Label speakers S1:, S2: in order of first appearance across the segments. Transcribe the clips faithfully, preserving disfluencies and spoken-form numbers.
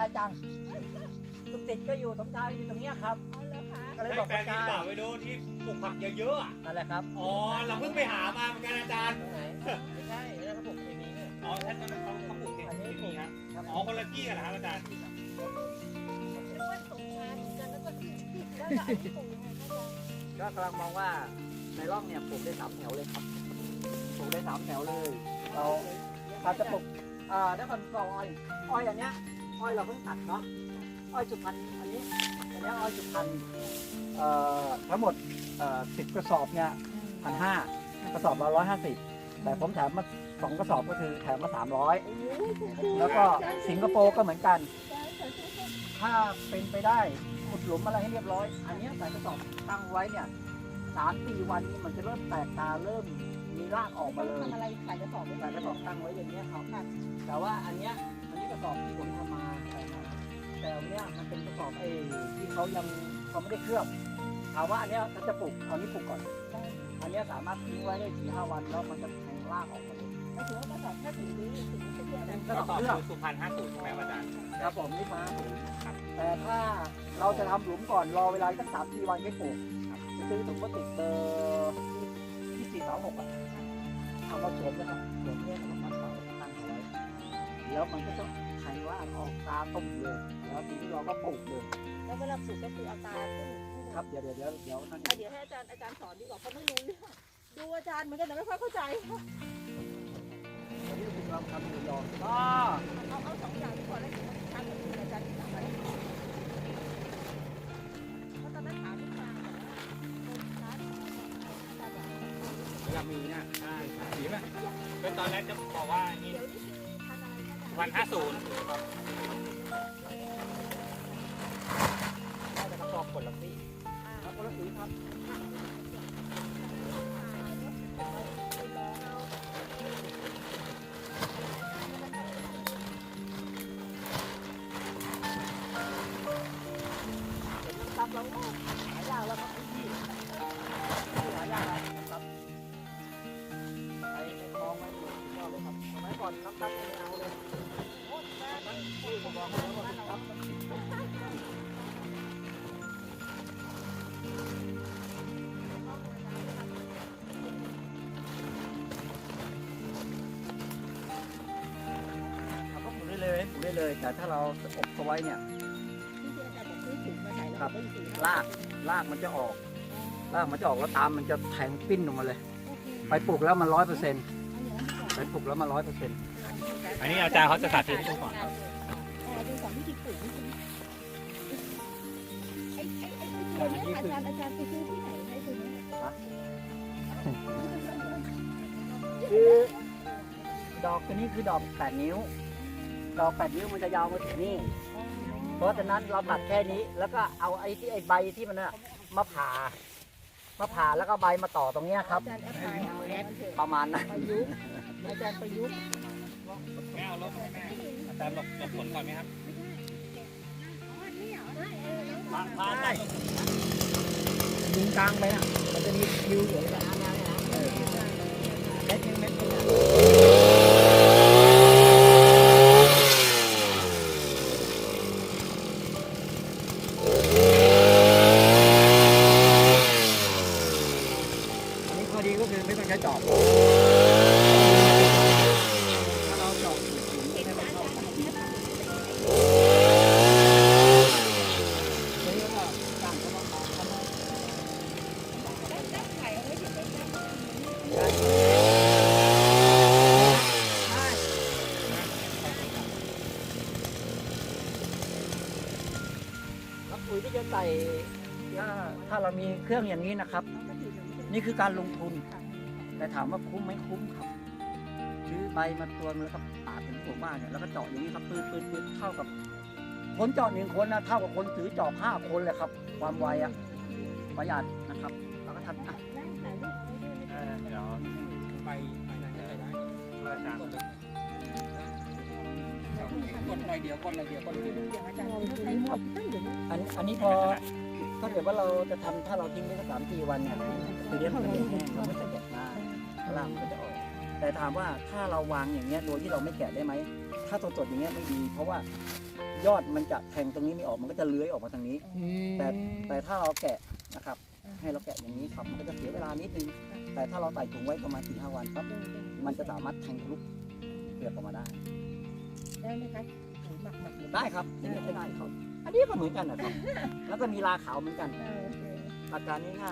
S1: จังลูกติดก็อยู่สมชายอยู่ตรงเนี้ยครับ
S2: อ๋อเหรอคะ
S1: ก็เลย
S3: ได้
S1: บอก
S3: แฟน
S1: อา
S3: ที่
S1: จาร
S3: เปล่า
S1: ย์
S3: ไปดูที่ปลูกผักเยอะๆอ่ะ
S1: นั่นแหละครับ
S3: อ๋อเราเพิ่งไปหามาเหมือนกันอาจารย์
S1: ตรงไหนไม่ใช่แล้วเขาปลูกเคมีเนี่ย
S3: อ๋อท่านนั้นเขาเขาปลูกเห็ดที่นี่ครับอ๋อคนละที่กันเหรอครับอาจารย์
S2: นึกว่าสงกรานต์เหมือนกันแล้วก็แล้วก็อันนี้ปลูกยังไงคะอาจารย์
S1: ก็กำลังมองว่าในร่องเนี่ยปลูกได้สามแถวเลยครับปลูกได้สามแถวเลย เราเราจะปลูกอ่าได้คนกออ้อยอ้อยอันเนี้ยอ้อยเราเพิ่งตัดเนาะอ้อยสุพรรณอันนี้อันเนี้ยอ้อยสุพรรณเอ่อทั้งหมดเอ่อสิบกระสอบเนี่ยพันห้ากระสอบละร้อยห้าสิบแต่ผมแถมมาสองกระสอบก็คือแถมมาสามร้อยแล้วก็สิงคโปร์ก็เหมือนกัน ถ้าเป็นไปได้ขุดหลุมอะไรให้เรียบร้อย อันเนี้ยใส่กระสอบตั้งไว้เนี่ยสามสี่วันนี้มันจะเริ่มแตกตาเริ่มมีรากออกมาเลย
S2: ทำอะไรขายกระสอบ
S1: ใส่กระสอบตั้งไว้อย่างเงี้ยครับแต่ว่าอันเนี้ยอันนี้กระสอบที่ผมทำมาใส่มาแต่อันเนี้ยมันเป็นกระสอบเอที่เขายังเขาไม่ได้เคลือบถามว่าอันเนี้ยถ้าจะปลูกเอานี้ปลูกก่อน อันเนี้ยสามารถทิ้งไว้ได้สี่ห้าวันแล้วมันจะแทงรากออกมาเลย
S2: ไม่ถือว่ากระสอบแค่ถึงนี้ถึงจะเยอะนะ
S1: กระ
S3: ก็
S1: สอบ
S3: ตอบ
S1: เคลือบ
S3: สุพรรณห้าศูนย์ใช่ไหมอาจารย์
S1: ครับผมนี่มาแต่ถ้าเราจะทำหลุมก่อนรอเวลาสักสามสี่วันให้ปลูกซื้อถุงพลาสติกเบอร์ที่สี่สามหกอ่ะเอามาสวมนะครับสวมเนี่ยแล้วมันตั้งตั้งเอาไว้แล้วมันก็จะแทงรากออกตาตุ่มเลยแล้วทีนี้เราก็ปลูกเลย
S2: แล้วเวลาปลูกก็คือเอาตาขึ้น
S1: ครับเดี๋ยวเดี๋ยวเดี๋ยวเดี๋ยวนั่น
S2: เดี๋ยวให้อาจารย์อาจารย์สอนดีกว่าเขาไม่รู้เรื่องดูอาจารย์เหมือนกันแต่ไม่ค่อยเข้าใจ
S1: อันนี้คือเราทำหมูยอก็
S2: เอาเอาสองอย่างที่พอแล้วทำกับอาจารย์ที่ทำอะไรเพราะตอนนั้นถามที่มาบอกว่าคนค้าอาจารย์บอก
S3: อยากมีนะใช่ใช่ดีไหมเป็นตอนแรกจะบอกว่านี่
S2: เดี๋ยวนี่คือพันอะไรคะอาจารย์
S3: วันห้าศูนย์
S1: ได้แต่กระสอบผลละสี
S2: อ่า
S1: ครับผลละสีครับ ครับเราหายากแล้วครับที่หายากครับไอ้มองไม่ถูกก็เลยครับสมัยก่อนน้ำตาลไม่เอาเลยโอ้ยแม่ที่ผมบอกแล้วว่าครับเอาก็ปลูกได้เลยปลูกได้เลย แต่ถ้าเราอบเขาไว้เนี่ย
S2: ที่อาจารย์บอกซื้อถุงมาใส่แล้วก็อยู่
S1: รากรากมันจะออกรากมันจะออกแล้วตามมันจะแทงปิ้นออกมาเลย ไปปลูกแล้วมันร้อยเปอร์เซ็นต์ไปปลูกแล้วมันร้อยเปอร์เซ็นต์
S3: อันนี้อาจารย์เขาจะสาธิตให้ดูก่อนครับ
S2: อ๋อดูสอนวิธีปลูกนี่คือไอ้ไอ้ไอ้ตัวเนี้ยอาจารย์อาจารย์ไปซื้อที่ไหนไอ้ตัวเนี้ย
S1: คือดอกตัวนี้คือดอกแปดนิ้ว ดอกแปดนิ้วมันจะยาวมาถึงนี่ เพราะฉะนั้นเราตัดแค่นี้แล้วก็เอาไอ้ที่ไอ้ใบที่มันน่ะมาผ่ามาผ่าแล้วก็ใบมาต่อตรงเนี้ยครับ
S2: อาจารย์แอปพลายเอาแอปเถอะ
S1: ประมาณนั้น
S2: ประยุกต์อาจารย์ประยุกต์
S3: แม่เอาลบให้แม่อาจารย์หลบหลบฝนก่อนไหมครับ
S1: ผ่าผ่าได้ยิงกลางไปนะมันจะมีคิวอยู่แบบนั้นเออเม็ดเม็ดเม็ดอันนี้ข้อดีก็คือไม่ต้องใช้จอบถ้าเราจอบถึงให้มันเข้ากันตัวนี้ก็ตั้งเขามาทำให้
S2: ได้ไข่เอาไว้ถึงได้
S1: ปุ๋ยที่จะใส่ถ้าถ้าเรามีเครื่องอย่างนี้นะครับ นี่คือการลงทุน แต่ถามว่าคุ้มไหมคุ้มครับซื้อใบมาตัวนึงแล้วก็ปาดถึงหัวบ้านเนี่ยแล้วก็เจาะอย่างนี้ครับปืนปืนปืนเท่ากับคนเจาะหนึ่งคนนะเท่ากับคนถือจอบห้าคนเลยครับ ความไวอะประหยัดนะครับแล้วก็ทำอ่ะ
S3: เออเดี๋ยวไปไปไหนได้ไหมอาจารย์กดหน่อยเดียวกดหน่อยเดียวกดหน่อยเดียว
S2: อย่างอาจารย์ใช้หมดตั้งเดี๋ยวนี้
S1: อันอันนี้พอถ้าเกิดว่าเราจะทำถ้าเราทิ้งไว้สักสามสี่วันเนี่ยคือเลี้ยงมันจะแห้งเราไม่ใส่แกะหน้าล่างมันก็จะออก แต่ถามว่าถ้าเราวางอย่างเงี้ยโดยที่เราไม่แกะได้ไหมถ้าสดๆอย่างเงี้ยไม่ดี เพราะว่ายอดมันจะแทงตรงนี้ไม่ออกมันก็จะเลื้อยออกมาทางนี้ แต่แต่ถ้าเราแกะนะครับ ให้เราแกะอย่างนี้ครับมันก็จะเสียเวลานิดนึงแต่ถ้าเราใส่ถุงไว้ประมาณสี่ห้าวันครับมันจะสามารถแทงทะลุเปลือกออกมาได้
S2: ได้ไหมคะหรือหมักหมักหรือ
S1: ได้ครับนี่ก็ได้ครับ อันนี้ก็เหมือนกันนะครับ แล้วก็มีราขาวเหมือนกัน
S2: เออโอเค
S1: หลักการง่าย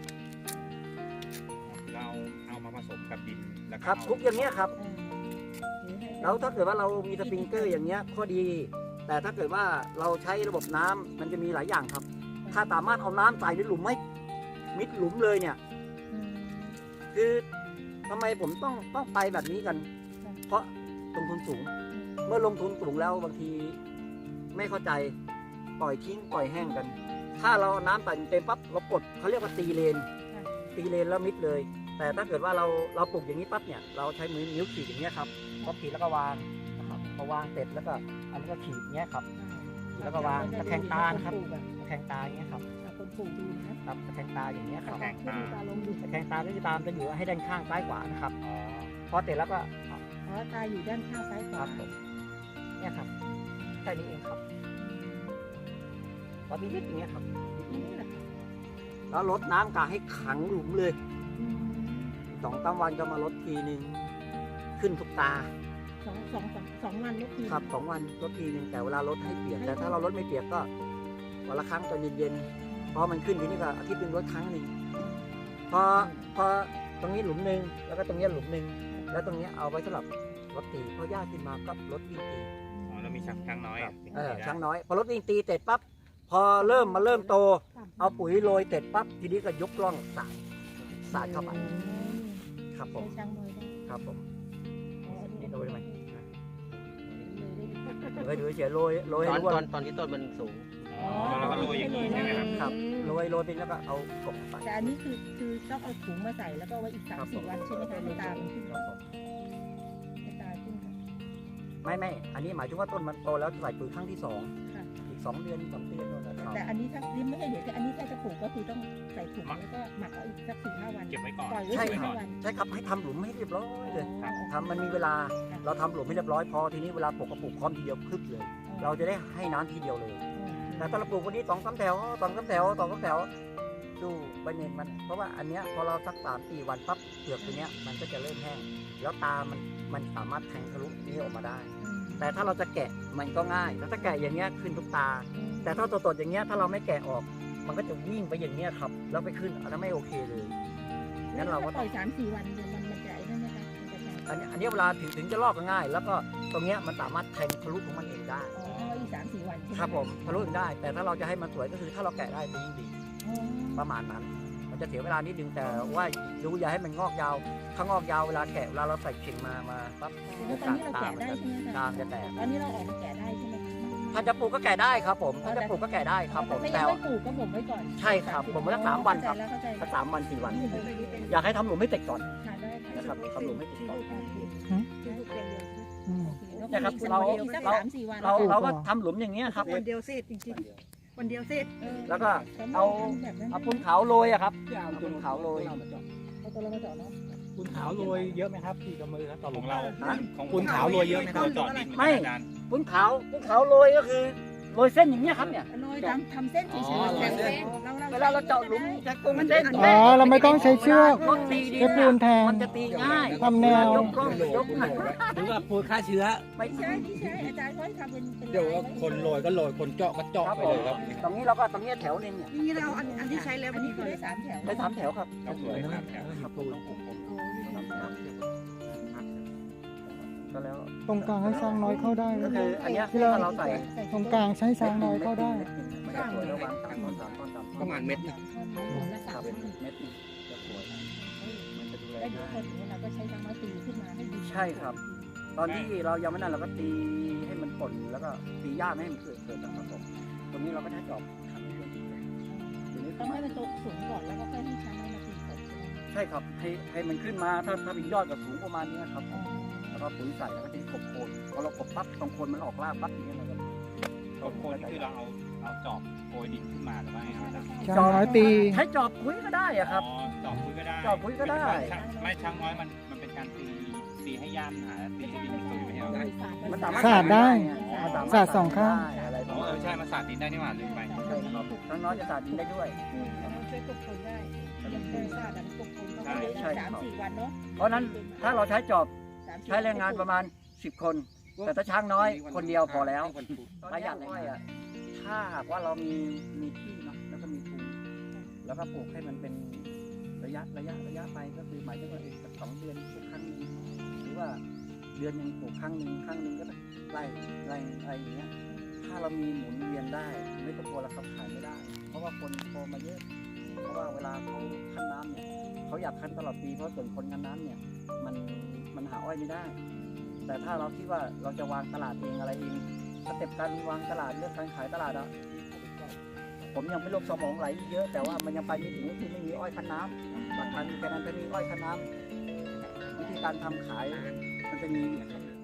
S3: เราเอามาผสมกับดินแล้ว
S1: ๆ
S3: ก็
S1: ครับทุกอย่างเนี้ยครับ
S2: เออถือให้
S1: แล้วถ้าเกิดว่าเรามีสปริงเกอร์อย่างเงี้ยข้อดี แต่ถ้าเกิดว่าเราใช้ระบบน้ำมันจะมีหลายอย่างครับ ถ้าสามารถเอาน้ำใส่ในหลุมไม่มิดหลุมเลยเนี่ย
S2: อืม
S1: คือทำไมผมต้องต้องไปแบบนี้กัน
S2: ค่ะ
S1: เพราะลงทุนสูง เมื่อลงทุนสูงแล้วบางทีไม่เข้าใจปล่อยทิ้งปล่อยแห้งกัน ถ้าเราเอาน้ำใส่เต็มปั๊บเรากดเขาเรียกว่าตีเลน
S2: ค่ะ
S1: ตีเลนแล้วมิดเลย แต่ถ้าเกิดว่าเราเราปลูกอย่างนี้ปั๊บเนี่ยเราใช้มือนิ้วขีดอย่างเงี้ยครับก็ขีดแล้วก็วางนะครับพอวางเสร็จแล้วก็อันนี้ก็ขีดอย่างเงี้ยครับขีดแล้วก็วางตะแคงตานะครับ
S2: นปลูกอะ
S1: ตะแคงตาอย่างเงี้ยครับ
S2: เอาคนปลูกดูนะครับ
S1: ตะแคงตาอย่างเงี้ยครับ
S3: แข็งตา
S2: ตาลงดู
S1: ตะแคงตาก็จะตามจะอยู่ให้ด้านข้างซ้ายขวานะครับ
S3: อ๋อ
S1: พอเสร็จแล้วก็
S2: อ๋อตาอยู่ด้านข้างซ้ายข
S1: คว
S2: า
S1: รับผมเนี่ยครับแค่นี้เองครับพอมีนิดอย่างเงี้ยครับ
S2: นี่แหละ
S1: แล้วลดน้ำกาให้ขังหลุมเลย
S2: อืม
S1: สองสามวันก็มาลดทีหนึ่งขึ้นทุกตา
S2: สองสองสองสองวันลูกที
S1: ครับสองวันลดทีหนึ่งแต่เวลาลดให้เปียกแต่ถ้าเราลดไม่เปียกก็วันละครั้งตอนเย็นๆเพราะมันขึ้นทีนี้ก็อาทิตย์หนึงลดครั้งหนึ่งพอพอตรงนี้หลุมหนึ่งแล้วก็ตรงนี้หลุมหนึ่งแล้วตรงนี้เอาไว้สำหรับรถตีพอหญ้าขึ้นมาก็ลดวิ่งตี
S3: อ๋อแล้วมีช้างช้างน้อย
S1: ครั
S3: อ่ะ
S1: บเออช้างน้อยพอรถวิ่งตีเสร็จปั๊บพอเริ่มมาเริ่มโต เอาปุ๋ยโรยเสร็จปั๊บทีนี้ก็ยกล่องสาดสาดเข้าไปครับผม
S2: ใช้ช้างน้อยได้
S1: ครับผม
S2: อ๋ออันนี้
S1: นี่โรยไหม
S2: เลยได้ดี
S1: โรยดูเฉยๆโรยโรย
S4: ตอ
S1: ให้
S4: น
S1: รู้
S4: ตอ
S1: ว่าน
S4: ตอนที่ต้นมันสูง
S3: อ๋อแล้วก็โรยอย่างนี้ใช่ไหมครับ
S1: ครับโรยโรยไปแล้วก็เอากบไป
S2: แต่อันนี้คือคือต้องเอาถุงมาใส่แล้วก็ไว้อีกสามสี่วันใช่ไหมคะให้ตามันขึ้น
S1: ครับผม
S2: ให้ตาขึ้นค่ะ
S1: ไม่ไม่อันนี้หมายถึงว่าต้นมันโตแล้วใส่ปุ๋ยครั้งที่สอง
S2: ค่ะ
S1: อีกสองเดือนสามเดือนแล้วนะครับ
S2: แต่อันนี้ถ้านี่ไม่ใช่เดี๋ยวแต่อันนี้ถ้าจะปลูกก็คือต้องใส่ถุงแล้วก็หมักเอาอีกสักสี่ห้าวัน
S3: เก็บไว้ก่อน
S2: ปล่อยไว้
S1: ใช่
S2: สี่
S1: ครั
S2: ห้า
S1: บ
S2: วัน
S1: ใช่ครับให้ทำหลุมให้เรียบร้อยเลย
S3: ครับ
S1: ทำมันมีเวลาเราทำหลุมให้เรียบร้อยพอทีนี้เวลาปลูกก็ปลูกพร้อมทีเดียวคึกเลย เราจะได้ให้น้ำทีเดียวเลย แต่ถ้าเราปลูกวันนี้สองสามแถวสองสามแถวสองสามแถวดูใบเนนมัน เพราะว่าอันเนี้ยพอเราสักสามสี่วันปั๊บเปลือกตัวเนี้ยมันก็จะเริ่มแห้งแล้วตามันมันสามารถแทงทะลุนี้ออกมาได้ แต่ถ้าเราจะแกะมันก็ง่ายแต่ถ้าแกะอย่างเงี้ยขึ้นทุกตา แต่ถ้าสดๆอย่างเงี้ยถ้าเราไม่แกะออก มันก็จะวิ่งไปอย่างเงี้ยครับแล้วไปขึ้นอันนั้นไม่โอเคเลยงั้นเราก็
S2: ป
S1: ต้
S2: ล่
S1: อ
S2: อง ยสามสี่วันเดี๋ยวมันมันจะไอ้นั่นนะคะมันจะแข็ง
S1: อันนี้อันนี้เวลาถึงถึงจะลอกก็ง่าย แล้วก็ตรงเนี้ยมันสามารถแทงทะลุของมันเองได้
S2: อ๋อเอาไว้อีกสามสี่วันใช่ไหม
S1: ครับผมทะลุเองได้ แต่ถ้าเราจะให้มันสวยก็คือถ้าเราแกะได้จะยิ่งดี
S2: อ๋อ
S1: ประมาณนั้น มันจะเสียเวลานิดนึงแต่ว่าดูอย่าให้มันงอกยาวถ้างอกยาวเวลาแกะเวลาเราใส่เข่งมามาปั๊บ
S2: แล้วตอนนี้เราแกะได้ใช่ไหมคะ
S1: ตามจะแตก
S2: ตอนนี้เราออกมาแกะได้ใช่ไหมคะ
S1: ถ้าจะปลูกก็แกะได้ครับผมถ้าจะปลูกก็แกะได้ครับผม
S2: ถ้ายั
S1: แต่
S2: งไม่ปลูกก็บ่มไว้ก่อน
S1: ใช่ครับบ่มไว้สักสามวันครับ
S2: เข้าใจแล้ว
S1: สักสามวันสี่วัน
S2: เข้าใจแล้ว
S1: อยากให้ทำหลุมให้เสร็จก่อน
S2: ทานได้ค่ะ
S1: นะครับทำหลุมให้เสร็จก่อน
S2: เนี่ยครับเราสักสามสี่วัน
S1: เราเราก็ทำหลุมอย่างเงี้ยครับ
S5: วันเดียวเสร็จจริงๆวันเดียวเสร็จ
S1: แล้วก็เอาเอาปูนขาวโรยอะครับเอาปูนขาวโรย
S2: เอาตัวเรามาเจาะเนาะ
S3: ปูนขาวโรยเยอะไหมครับที่กำมือครับต่อของเรา
S1: ฮะ
S3: ของปูนขาวโรยเยอะไหมครับจอดดิน
S1: ไม่
S3: อาจารย์
S1: ปูนขาวปูนขาวโรยก็คือโรยเส้นอย่างเงี้ยครับเนี่ย
S2: โรยทำทำเส้นเฉย
S3: อ๋อ
S2: ๆ
S3: โรยเส้น
S1: เวลาเราเจาะหลุมจะกลมเส้น
S6: อ๋อเราไม่ต้องใช้เชือก
S1: รถตีดิน
S6: ใช้ปูนแทน
S1: มันจะตีง่าย
S6: ทำแนว
S1: ยกกล้องยกหนัก
S3: หรือว่าปูนฆ่าเชื้อ
S1: ไม่
S2: ไม่ใช่ไม่ใช่อาจารย์เขาให้ทำเป็นเป็น
S3: เดี๋ยวว่าคนโรยก็โรยคนเจาะก็เจาะ
S1: ครับ
S3: ไป
S1: ผ
S3: เล
S1: ม
S3: ยครับ
S1: ตรงนี้เราก็ตรงนี้แถวนึงเนี่ย
S5: นี่เราอันอันที่ใช้แล้ว
S2: อันนี้คือได้สามแถว
S1: ได้สามแถวครับ
S3: ครับสวยครับแถว
S1: ครับผมก็แล้ว
S6: ตรงกลางให้ช้างน้อยเข้าได้
S1: ก็
S6: นะ
S1: คืออันเนี้ย
S6: ที่เรา
S1: ถ้าเราใส่
S6: ตรงกลางใช้ช้างน้อยเข้าได้
S1: มันจะสวยระหว่างสามต้นสามต้นสามต้น
S3: ประมาณเม็ดหนึง
S1: ครับเม็ดนึงจะสวยมันจะดูแล
S2: ได้ดู
S1: ง่าย
S2: คนอย่างนี้เราก็ใช้ช้างน้อยตีขึ้นมาให้ดี
S1: ใช่ครับ ตอนที่เรายังไม่นั่นเราก็ตีให้มันป่นแล้วก็ตีหญ้าไม่ให้มันเกิดเกิดนะครับผมตรงนี้เราก็ใช้จอบทำให้มันดีทีนี้
S2: ต้องให้มันโตสูงก่อนแล้วก็ค่อยให้ช้างน้อยมาตีกบ
S1: ใช่ครับให้ให้มันขึ้นมาถ้าถ้ามียอดกับสูงประมาณนี้ครับผมแล้วก็ปุ๋ยใส่แล้วก็จะกบโคนพอเรากบปั๊บตรงโคนมันออกรากปั๊บอย่างเงี้ยเราก็
S3: ต้นโคนนี่คือเราเอาเอาจอบโกยดินขึ้นมาหรือว่าไงครับอาจารย์
S6: ช้างน้อยตี
S1: ใช้จอบปุ๋ยก็ได้อะครับ
S3: อ๋อจอบคุยก็ได้
S1: จอบคุยก็ได้
S3: ไม่ช่างน้อยมันมันเป็นการตีตีให้ย่านหาตีให้ดินมันตุยไม่ใช่เหรอ
S1: มันสามารถ
S6: สาดได้
S3: อ๋อ
S1: สามารถ
S6: สาดสองข้าง
S1: ได้อะไรป
S3: อ๋
S1: ระ
S3: อ
S1: มาณ
S3: เออใช่มาสาดดินได้นี่หว่าลืมไป
S1: ใช่ครับน้องๆจะสาดดินได้ด้วย
S5: มันช่วยกบผลได้ยังเคยทราบอันกบผลเขา
S3: ใช่
S5: ไม่
S1: ใช่
S5: ได้สามสี่วันเนาะ
S1: เพราะฉะนั้นถ้าเราใช้จอบ
S5: สามสี่
S1: ใช้แรงงานประมาณสิบคน แต่ถ้าช้างน้อยคนเดียวพอแล้วประหยัดอ้อยอ่ะถ้าหากว่าเรามีมีที่เนาะแล้วก็มีทุนแล้วก็ปลูกให้มันเป็นระยะระยะระยะไปก็คือหมายถึงว่าอีกสักสองเดือนปลูกครั้งหนึงหรือว่าเดือนหนึ่งปลูกครั้งหนึ่งครั้งหนึ่งก็ไล่ไล่อะไรอย่างเงี้ยถ้าเรามีหมุนเวียนได้ไม่ต้องกลัวราคาขายไม่ได้ เพราะว่าคนโตมาเยอะ เพราะว่าเวลาเขาคั้นน้ำเนี่ยเขาอยากคั้นตลอดปีเพราะส่วนคนคั้นน้ำเนี่ยมันมันหาอ้อยไม่ได้ แต่ถ้าเราคิดว่าเราจะวางตลาดเองอะไรเองสเต็ปการวางตลาดเรื่องการขายตลาดอะผมยังไม่ลงสมองไหลเยอะ แต่ว่ามันยังไปไม่ถึงคือไม่มีอ้อยคั้นน้ำหลักการมีแค่นั้นจะมีอ้อยคั้นน้ำวิธีการทำขายมันจะมี